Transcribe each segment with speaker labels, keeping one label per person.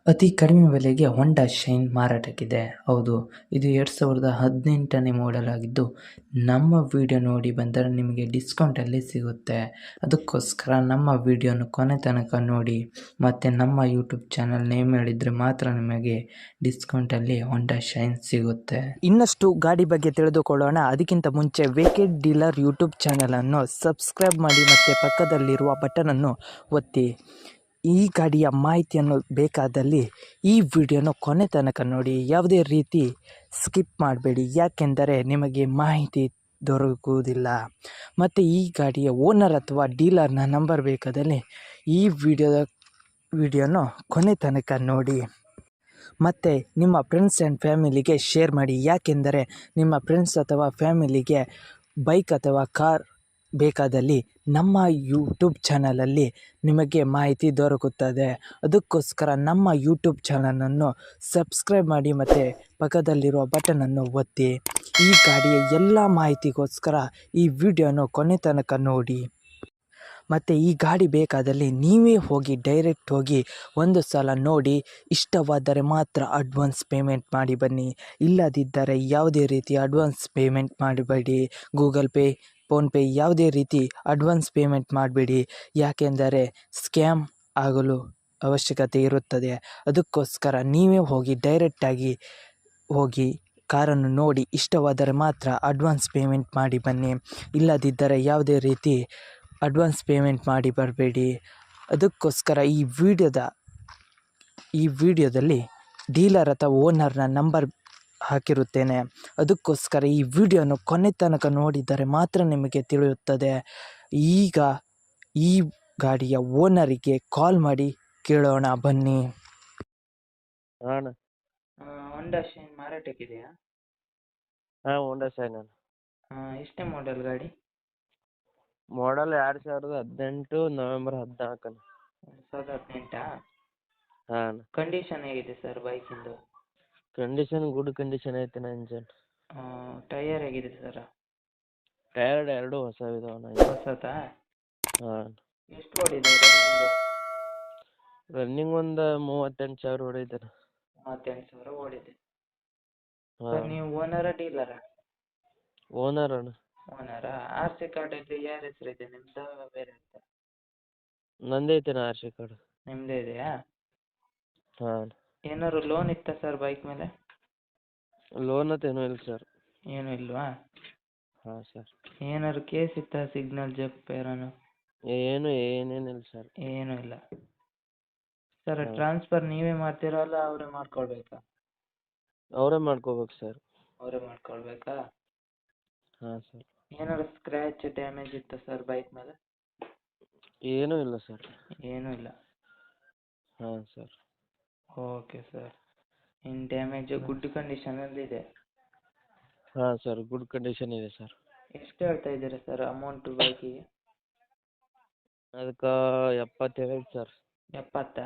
Speaker 1: ಅತಿ ಕಡಿಮೆ ಬೆಲೆಗೆ ಹೊಂಡಾ ಶೈನ್ ಮಾರಾಟಕ್ಕಿದೆ. ಹೌದು, ಇದು 2018ನೇ ಮಾಡೆಲ್ ಆಗಿದ್ದು, ನಮ್ಮ ವಿಡಿಯೋ ನೋಡಿ ಬಂದರೆ ನಿಮಗೆ ಡಿಸ್ಕೌಂಟಲ್ಲಿ ಸಿಗುತ್ತೆ. ಅದಕ್ಕೋಸ್ಕರ ನಮ್ಮ ವಿಡಿಯೋನ ಕೊನೆ ತನಕ ನೋಡಿ ಮತ್ತು ನಮ್ಮ ಯೂಟ್ಯೂಬ್ ಚಾನಲ್ ನೇಮ್ ಹೇಳಿದರೆ ಮಾತ್ರ ನಿಮಗೆ ಡಿಸ್ಕೌಂಟಲ್ಲಿ ಹೊಂಡಾ ಶೈನ್ ಸಿಗುತ್ತೆ.
Speaker 2: ಇನ್ನಷ್ಟು ಗಾಡಿ ಬಗ್ಗೆ ತಿಳಿದುಕೊಳ್ಳೋಣ. ಅದಕ್ಕಿಂತ ಮುಂಚೆ ವೇಕೆಡ್ ಡೀಲರ್ ಯೂಟ್ಯೂಬ್ ಚಾನಲನ್ನು ಸಬ್ಸ್ಕ್ರೈಬ್ ಮಾಡಿ ಮತ್ತು ಪಕ್ಕದಲ್ಲಿರುವ ಬಟನನ್ನು ಒತ್ತಿ. ಈ ಗಾಡಿಯ ಮಾಹಿತಿಯನ್ನು ಬೇಕಾದಲ್ಲಿ ಈ ವಿಡಿಯೋನ ಕೊನೆ ತನಕ ನೋಡಿ, ಯಾವುದೇ ರೀತಿ ಸ್ಕಿಪ್ ಮಾಡಬೇಡಿ, ಯಾಕೆಂದರೆ ನಿಮಗೆ ಮಾಹಿತಿ ದೊರಕುವುದಿಲ್ಲ. ಮತ್ತು ಈ ಗಾಡಿಯ ಓನರ್ ಅಥವಾ ಡೀಲರ್ನ ನಂಬರ್ ಬೇಕಾದಲ್ಲಿ ಈ ವಿಡಿಯೋನ ಕೊನೆ ತನಕ ನೋಡಿ. ಮತ್ತು ನಿಮ್ಮ ಫ್ರೆಂಡ್ಸ್ ಆ್ಯಂಡ್ ಫ್ಯಾಮಿಲಿಗೆ ಶೇರ್ ಮಾಡಿ, ಯಾಕೆಂದರೆ ನಿಮ್ಮ ಫ್ರೆಂಡ್ಸ್ ಅಥವಾ ಫ್ಯಾಮಿಲಿಗೆ ಬೈಕ್ ಅಥವಾ ಕಾರ್ ಬೇಕಾದಲ್ಲಿ ನಮ್ಮ ಯೂಟ್ಯೂಬ್ ಚಾನಲಲ್ಲಿ ನಿಮಗೆ ಮಾಹಿತಿ ದೊರಕುತ್ತದೆ. ಅದಕ್ಕೋಸ್ಕರ ನಮ್ಮ ಯೂಟ್ಯೂಬ್ ಚಾನಲನ್ನು ಸಬ್ಸ್ಕ್ರೈಬ್ ಮಾಡಿ ಮತ್ತು ಪಕ್ಕದಲ್ಲಿರುವ ಬಟನನ್ನು ಒತ್ತಿ. ಈ ಗಾಡಿಯ ಎಲ್ಲ ಮಾಹಿತಿಗೋಸ್ಕರ ಈ ವಿಡಿಯೋನ ಕೊನೆ ತನಕ ನೋಡಿ. ಮತ್ತು ಈ ಗಾಡಿ ಬೇಕಾದಲ್ಲಿ ನೀವೇ ಹೋಗಿ ಡೈರೆಕ್ಟ್ ಹೋಗಿ ಒಂದು ಸಲ ನೋಡಿ, ಇಷ್ಟವಾದರೆ ಮಾತ್ರ ಅಡ್ವಾನ್ಸ್ ಪೇಮೆಂಟ್ ಮಾಡಿ ಬನ್ನಿ. ಇಲ್ಲದಿದ್ದರೆ ಯಾವುದೇ ರೀತಿ ಅಡ್ವಾನ್ಸ್ ಪೇಮೆಂಟ್ ಮಾಡಬೇಡಿ. ಗೂಗಲ್ ಪೇ, ಫೋನ್ಪೇ ಯಾವುದೇ ರೀತಿ ಅಡ್ವಾನ್ಸ್ ಪೇಮೆಂಟ್ ಮಾಡಬೇಡಿ, ಯಾಕೆಂದರೆ ಸ್ಕ್ಯಾಮ್ ಆಗಲು ಅವಶ್ಯಕತೆ ಇರುತ್ತದೆ. ಅದಕ್ಕೋಸ್ಕರ ನೀವೇ ಹೋಗಿ ಡೈರೆಕ್ಟಾಗಿ ಹೋಗಿ ಕಾರನ್ನು ನೋಡಿ, ಇಷ್ಟವಾದರೆ ಮಾತ್ರ ಅಡ್ವಾನ್ಸ್ ಪೇಮೆಂಟ್ ಮಾಡಿ ಬನ್ನಿ. ಇಲ್ಲದಿದ್ದರೆ ಯಾವುದೇ ರೀತಿ ಅಡ್ವಾನ್ಸ್ ಪೇಮೆಂಟ್ ಮಾಡಿ ಬರಬೇಡಿ. ಅದಕ್ಕೋಸ್ಕರ ಈ ವಿಡಿಯೋದಲ್ಲಿ ಡೀಲರ್ ಅಥವಾ ಓನರ್ನ ನಂಬರ್ ಹಾಕಿರುತ್ತೇನೆ. ಅದಕ್ಕೋಸ್ಕರ ಈ ವಿಡಿಯೋನ ಕೊನೆ ತನಕ ನೋಡಿದರೆ ಮಾತ್ರ ನಿಮಗೆ ತಿಳಿಯುತ್ತದೆ. ಈಗ ಈ ಗಾಡಿಯ ಓನರಿಗೆ ಕಾಲ್ ಮಾಡಿ ಕೇಳೋಣ ಬನ್ನಿ.
Speaker 1: ಹೊಂಡಾ ಶೈನ್ ಮಾರಾಟಕ್ಕಿದೆಯಾ?
Speaker 3: ಹಾಂ, ಹೋಂಡಾ ಶೈನ್
Speaker 1: ಎಷ್ಟೇ ಮಾಡೆಲ್ ಗಾಡಿ?
Speaker 3: Model 2018 November 14.
Speaker 1: 2018?
Speaker 3: ಹಾಂ.
Speaker 1: ಕಂಡೀಷನ್ ಹೇಗಿದೆ ಸರ್ ಬೈಕಿಂದು?
Speaker 3: ಕಂಡೀಷನ್ ಗುಡ್ ಕಂಡೀಷನ್ ಐತೆ ಇಂಜನ್.
Speaker 1: ಟೈಯರ್ ಹೇಗಿದೆ ಸರ್?
Speaker 3: ಟೈರ್ ಎರಡು ಹೊಸವಿದಾವಣ್ಣ.
Speaker 1: ಹೊಸತಾ?
Speaker 3: ಹಾಂ.
Speaker 1: ಎಷ್ಟು ಓಡಿದೆ ರನ್ನಿಂಗು?
Speaker 3: ರನ್ನಿಂಗ್ ಒಂದು 38,000 ಹೊಡೈತೆ.
Speaker 1: 38,000 ಓಡಿದೆ.
Speaker 3: ಹಾಂ.
Speaker 1: ಸರ್ ನೀವು ಓನರಾ ಡೀಲರಾ?
Speaker 3: ಓನರ್ ಅಣ್ಣ.
Speaker 1: ಓನರಾ? ಆರ್ ಸಿ ಕಾರ್ಡಲ್ಲಿ ಯಾರ ಹೆಸರಿದೆ, ನಿಮ್ದು ಬೇರೆ ಅಂತ?
Speaker 3: ನಂದೈತೆನ ಆರ್ ಸಿ ಕಾರ್ಡ್.
Speaker 1: ನಿಮ್ಮದೇ ಇದೆಯಾ?
Speaker 3: ಹಾಂ.
Speaker 1: ಏನಾದ್ರು ಲೋನ್ ಇತ್ತಾ ಸರ್ ಬೈಕ್ ಮೇಲೆ?
Speaker 3: ಲೋನ್ ಅಂತೇನೂ ಇಲ್ಲ ಸರ್.
Speaker 1: ಏನೂ ಇಲ್ವಾ?
Speaker 3: ಹಾಂ ಸರ್.
Speaker 1: ಏನಾದ್ರು ಕೇಸ್ ಇತ್ತಾ, ಸಿಗ್ನಲ್ ಜಂಪ್ ಏನಾನು?
Speaker 3: ಏನೇನಿಲ್ಲ ಸರ್.
Speaker 1: ಏನೂ ಇಲ್ಲ. ಸರ್
Speaker 3: ಹಾಂ.
Speaker 1: ಟ್ರಾನ್ಸ್ಫರ್ ನೀವೇ ಮಾಡ್ತೀರಾ ಅಲ್ಲ ಅವರೇ ಮಾಡ್ಕೊಳ್ಬೇಕಾ?
Speaker 3: ಅವರೇ ಮಾಡ್ಕೋಬೇಕು ಸರ್.
Speaker 1: ಅವರೇ ಮಾಡ್ಕೊಳ್ಬೇಕಾ?
Speaker 3: ಹಾಂ ಸರ್.
Speaker 1: ಏನಾದ್ರು ಸ್ಕ್ರ್ಯಾಚ್ ಡ್ಯಾಮೇಜ್ ಇತ್ತಾ ಸರ್ ಬೈಕ್ ಮೇಲೆ?
Speaker 3: ಏನೂ ಇಲ್ಲ ಸರ್.
Speaker 1: ಏನೂ ಇಲ್ಲ.
Speaker 3: ಹಾಂ ಸರ್.
Speaker 1: Okay sir. ಇನ್ನು ಡ್ಯಾಮೇಜು ಗುಡ್ ಕಂಡೀಷನಲ್ಲಿದೆ?
Speaker 3: ಹಾಂ ಸರ್, ಗುಡ್ ಕಂಡೀಷನ್ ಇದೆ ಸರ್.
Speaker 1: ಎಷ್ಟು ಹೇಳ್ತಾ ಇದ್ದೀರಾ ಸರ್ ಅಮೌಂಟು ಬೈಕಿಗೆ?
Speaker 3: ಅದಕ್ಕೆ 70 ಐತೆ ಸರ್.
Speaker 1: 70?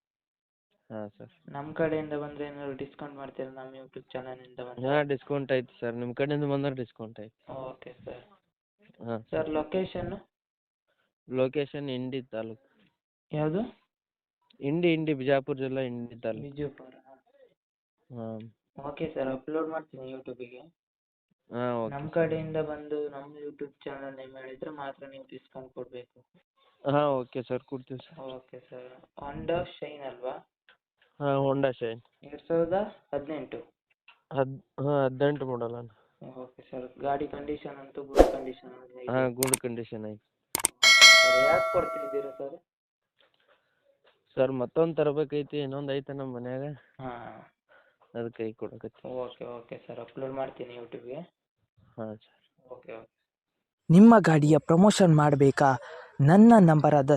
Speaker 3: ಹಾಂ ಸರ್.
Speaker 1: ನಮ್ಮ ಕಡೆಯಿಂದ ಬಂದರೆ ಏನಾದ್ರು ಡಿಸ್ಕೌಂಟ್ ಮಾಡ್ತೀರಾ ನಮ್ಮ ಯೂಟ್ಯೂಬ್ ಚಾನಲಿಂದ ಬಂದರೆ?
Speaker 3: ಹಾಂ, ಡಿಸ್ಕೌಂಟ್ ಐತೆ ಸರ್. ನಿಮ್ಮ ಕಡೆಯಿಂದ ಬಂದರೆ ಡಿಸ್ಕೌಂಟ್ ಐತೆ.
Speaker 1: Okay sir.
Speaker 3: ಹಾಂ
Speaker 1: ಸರ್ ಲೊಕೇಶನ್ನು?
Speaker 3: ಲೊಕೇಶನ್ ಇಂಡಿ ತಾಲೂಕು.
Speaker 1: ಯಾವುದು?
Speaker 3: ಇಂಡಿ ಬಿಜಾಪುರ ಜಿಲ್ಲಾ ಇಂಡಿ ತಾಲೂಕು.
Speaker 1: ವಿಜಯಪುರ?
Speaker 3: ಹಾಂ.
Speaker 1: ಓಕೆ ಸರ್, ಅಪ್ಲೋಡ್ ಮಾಡ್ತೀನಿ ಯೂಟ್ಯೂಬಿಗೆ.
Speaker 3: ಹಾಂ, ಓಕೆ.
Speaker 1: ನಮ್ಮ ಕಡೆಯಿಂದ ಬಂದು ನಮ್ಮ ಯೂಟ್ಯೂಬ್ ಚಾನಲ್ ನೇಮ್ ಹೇಳಿದರೆ ಮಾತ್ರ ನೀವು ಡಿಸ್ಕೌಂಟ್ ಕೊಡಬೇಕು.
Speaker 3: ಹಾಂ, ಓಕೆ ಸರ್, ಕೊಡ್ತೀವಿ sir.
Speaker 1: Okay sir. Honda Shine ಅಲ್ವಾ?
Speaker 3: ಹಾಂ, ಹೋಂಡಾ ಶೈನ್
Speaker 1: 2018?
Speaker 3: ಹಾಂ, 18 ಮಾಡಲ್ ಅಣ್ಣ.
Speaker 1: Okay sir. ಗಾಡಿ ಕಂಡೀಷನ್ ಅಂತೂ ಗುಡ್ ಕಂಡೀಷನ್ ಇದೆ?
Speaker 3: ಹಾಂ, ಗುಡ್ ಕಂಡೀಷನ್ ಐತೆ.
Speaker 1: ಸರ್ ಯಾಕೆ ಕೊಡ್ತಿದ್ದೀರಾ ಸರ್?
Speaker 3: ಸರ್ ಮತ್ತೊಂದು ತರಬೇಕೈತಿ, ಇನ್ನೊಂದು ಐತೆ ನಮ್ಮ ಮನ್ಯಾಗ,
Speaker 1: ಹಾಂ.
Speaker 3: ಅದಕ್ಕೆ ಕೈ ಕೊಡಕತ್ತಿ.
Speaker 1: ಓಕೆ ಸರ್, ಅಪ್ಲೋಡ್ ಮಾಡ್ತೀನಿ ಯೂಟ್ಯೂಬ್ಗೆ.
Speaker 3: ಹಾಂ ಸರ್.
Speaker 1: ಓಕೆ.
Speaker 2: ನಿಮ್ಮ ಗಾಡಿಯ ಪ್ರಮೋಷನ್ ಮಾಡಬೇಕಾ? ನನ್ನ ನಂಬರಾದ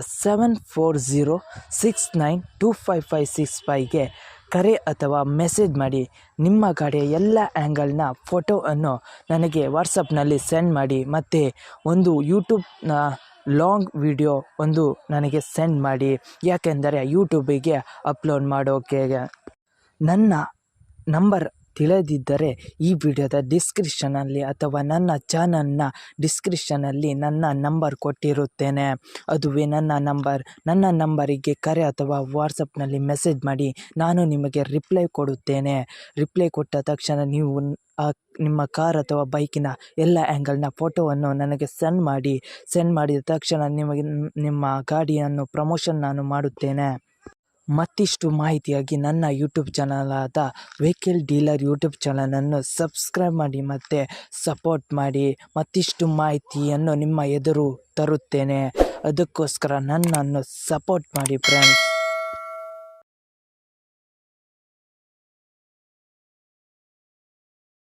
Speaker 2: 7406925565ಗೆ ಕರೆ ಅಥವಾ ಮೆಸೇಜ್ ಮಾಡಿ. ನಿಮ್ಮ ಗಾಡಿಯ ಎಲ್ಲ ಆ್ಯಂಗಲ್ನ ಫೋಟೋವನ್ನು ನನಗೆ ವಾಟ್ಸಪ್ನಲ್ಲಿ ಸೆಂಡ್ ಮಾಡಿ. ಮತ್ತು ಒಂದು ಯೂಟ್ಯೂಬ್ನ ಲಾಂಗ್ ವಿಡಿಯೋ ಒಂದು ನನಗೆ ಸೆಂಡ್ ಮಾಡಿ, ಯಾಕೆಂದರೆ ಯೂಟ್ಯೂಬಿಗೆ ಅಪ್ಲೋಡ್ ಮಾಡೋಕೆ. ನನ್ನ ನಂಬರ್ ತಿಳಿದಿದ್ದರೆ ಈ ವಿಡಿಯೋದ ಡಿಸ್ಕ್ರಿಪ್ಷನಲ್ಲಿ ಅಥವಾ ನನ್ನ ಚಾನಲ್ನ ಡಿಸ್ಕ್ರಿಪ್ಷನಲ್ಲಿ ನನ್ನ ನಂಬರ್ ಕೊಟ್ಟಿರುತ್ತೇನೆ. ಅದುವೇ ನನ್ನ ನಂಬರಿಗೆ ಕರೆ ಅಥವಾ ವಾಟ್ಸಪ್ನಲ್ಲಿ ಮೆಸೇಜ್ ಮಾಡಿ, ನಾನು ನಿಮಗೆ ರಿಪ್ಲೈ ಕೊಡುತ್ತೇನೆ. ರಿಪ್ಲೈ ಕೊಟ್ಟ ತಕ್ಷಣ ನೀವು ನಿಮ್ಮ ಕಾರ್ ಅಥವಾ ಬೈಕಿನ ಎಲ್ಲ ಆ್ಯಂಗಲ್ನ ಫೋಟೋವನ್ನು ನನಗೆ ಸೆಂಡ್ ಮಾಡಿದ ತಕ್ಷಣ ನಿಮಗೆ ನಿಮ್ಮ ಗಾಡಿಯನ್ನು ಪ್ರಮೋಷನ್ ನಾನು ಮಾಡುತ್ತೇನೆ. ಮತ್ತಿಷ್ಟು ಮಾಹಿತಿಯಾಗಿ ನನ್ನ ಯೂಟ್ಯೂಬ್ ಚಾನಲ್ ಆದ ವೆಹಿಕಲ್ ಡೀಲರ್ ಯೂಟ್ಯೂಬ್ ಚಾನಲನ್ನು ಸಬ್ಸ್ಕ್ರೈಬ್ ಮಾಡಿ ಮತ್ತು ಸಪೋರ್ಟ್ ಮಾಡಿ. ಮತ್ತಿಷ್ಟು ಮಾಹಿತಿಯನ್ನು ನಿಮ್ಮ ಎದುರು ತರುತ್ತೇನೆ. ಅದಕ್ಕೋಸ್ಕರ ನನ್ನನ್ನು ಸಪೋರ್ಟ್ ಮಾಡಿ ಫ್ರೆಂಡ್ಸ್.